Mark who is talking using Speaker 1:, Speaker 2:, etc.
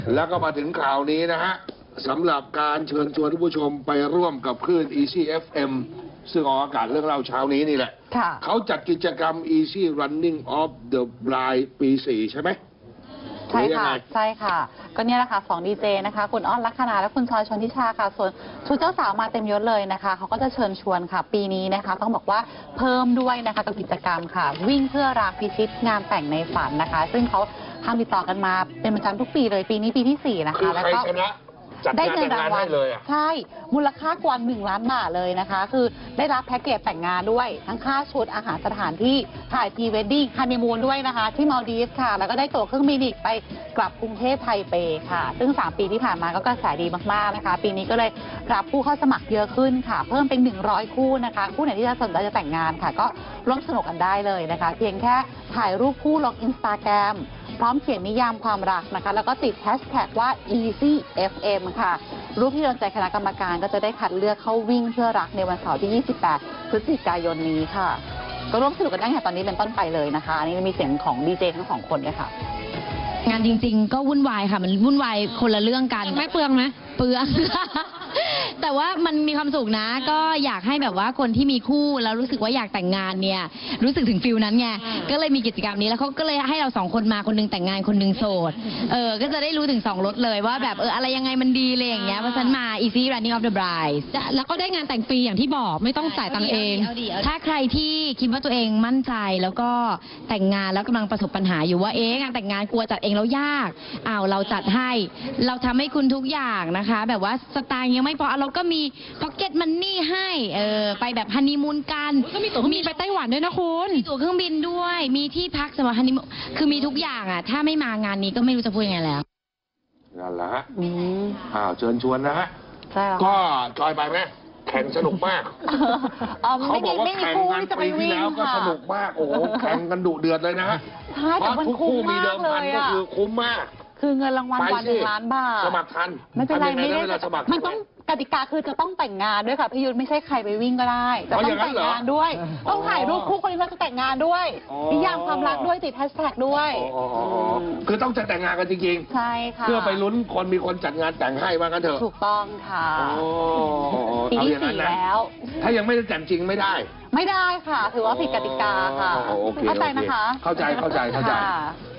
Speaker 1: แล้วก็มาถึงข่าวนี้นะฮะสำหรับการเชิญชวนท่านผู้ชมไปร่วมกับคลื่น Easy FM ซึ่งออกอากาศเรื่องเล่าเช้านี้นี่แหละเขาจัดกิจกรรม Easy Running of the Blind ปี 4 ใช่ไหม
Speaker 2: ใช่ค่ะใช่ค่ะก็เนี่ยแหละค่ะ2ดีเจนะคะคุณอ้อนลัคนาและคุณชอยชนทิชาค่ะส่วนชุดเจ้าสาวมาเต็มยศเลยนะคะเขาก็จะเชิญชวนค่ะปีนี้นะคะต้องบอกว่าเพิ่มด้วยนะคะกับกิจกรรมค่ะวิ่งเพื่อรักพิชิตงานแต่งในฝันนะคะซึ่งเขาทำติดต่อกันมาเป็นประจำทุกปีเลยปีนี้ปีที่4นะคะ
Speaker 1: แล้วก็ได้เงินรางวัล
Speaker 2: ใช่มูลค่ากว่า1 ล้านบาทเลยนะคะคือได้รับแพ็กเกจแต่งงานด้วยทั้งค่าชุดอาหารสถานที่ถ่ายพรีเวดดิ้งฮันนีมูนด้วยนะคะที่มาลดีฟส์ค่ะแล้วก็ได้ตั๋วเครื่องบินอีกไปกลับกรุงเทพไทเปค่ะซึ่ง3 ปีที่ผ่านมาก็กระแสดีมากๆนะคะปีนี้ก็เลยรับผู้เข้าสมัครเยอะขึ้นค่ะเพิ่มเป็น100 คู่นะคะคู่ไหนที่จะสนใจจะแต่งงานค่ะก็ร่วมสนุกกันได้เลยนะคะเพียงแค่ถ่ายรูปคู่ลง Instagramพร้อมเขียนนิยามความรักนะคะแล้วก็ติดแฮชแท็กว่า Easy FM ค่ะรูปที่โดนใจคณะกรรมการก็จะได้คัดเลือกเข้าวิ่งเพื่อรักในวันเสาร์ที่ 28 พฤศจิกายนนี้ค่ะก็ร่วมสนุกกันได้ค่ะตอนนี้เป็นต้นไปเลยนะคะอันนี้มีเสียงของดีเจทั้ง2 คนด้วยค่ะ
Speaker 3: งานจริงๆก็วุ่นวายค่ะมันวุ่นวายคนละเรื่องกัน
Speaker 4: ไม่เปลืองไหม
Speaker 3: เปลือง แต่ว่ามันมีความสุขนะก็อยากให้แบบว่าคนที่มีคู่แล้วรู้สึกว่าอยากแต่งงานเนี่ยรู้สึกถึงฟิลนั้นไงก็เลยมีกิจกรรมนี้แล้วเขาก็เลยให้เรา2 คนมาคนนึงแต่งงานคนนึงโสดก็จะได้รู้ถึง2 รสเลยว่าแบบอะไรยังไงมันดีเลยอย่างเงี้ยเพราะฉะนั้นมา Easy Running of the Bride
Speaker 4: แล้วก็ได้งานแต่งฟรีอย่างที่บอกไม่ต้องจ่ายตังค์เอง
Speaker 3: ถ้าใครที่คิดว่าตัวเองมั่นใจแล้วก็แต่งงานแล้วกำลังประสบปัญหาอยู่ว่างานแต่งงานกลัวจัดเองแล้วยากเราจัดให้เราทำให้คุณทุกอย่างนะคะแบบว่าสตางค์ยังไม่พอเราก็มีพ็อกเก็ตมันนี่ให้ไปแบบฮันนีมูนกัน
Speaker 4: ก็มีตั๋วเครื่องบินไปไต้หวันด้วยนะคุณ
Speaker 3: มีตั๋วเครื่องบินด้วยมีที่พักสำหรับฮันนีมูนคือมีทุกอย่างถ้าไม่มางานนี้ก็ไม่รู้จะพูดยังไงแล้ว
Speaker 1: นั่นแหละฮะเชิญชวนนะฮะ
Speaker 2: ใช่
Speaker 1: ก็จอยไปไหมแข่งสนุกมากเขาบอกว่าแข่งกันปีที่แล้วก็สนุกมากโอ้โหแข่งกันดุเดือดเลยนะฮะ
Speaker 2: ใช่แต่มันคุ้มมากเลย
Speaker 1: ก็คือคุ้มมาก
Speaker 2: คือเงินรางวัลวัน1 ล้านบาท
Speaker 1: สมัครทัน
Speaker 2: ไม่เป็นไรไม่ได้มันต้องกติกาคือจะต้องแต่งงานด้วยค่ะพี่ยุทธไม่ใช่ใครไปวิ่งก็ได้จะต้องแต่งงานด้วยต้องถ่ายรูปคู่คนที่เราจะแต่งงานด้วยนิยามความรักด้วยติดแฮชแท็กด้วย
Speaker 1: คือต้องจะแต่งงานกันจริง
Speaker 2: ๆใช่ค่ะ
Speaker 1: เพื่อไปลุ้นคนมีคนจัดงานแต่งให้ว่ากันเถอะ
Speaker 2: ถูกต้องค่ะปีที่ 4แล้ว
Speaker 1: ถ้ายังไม่ได้แต่งจริงไม่ได้
Speaker 2: ค่ะถือว่าผิดกติกาค่ะเข้าใจนะคะ
Speaker 1: เข้าใจ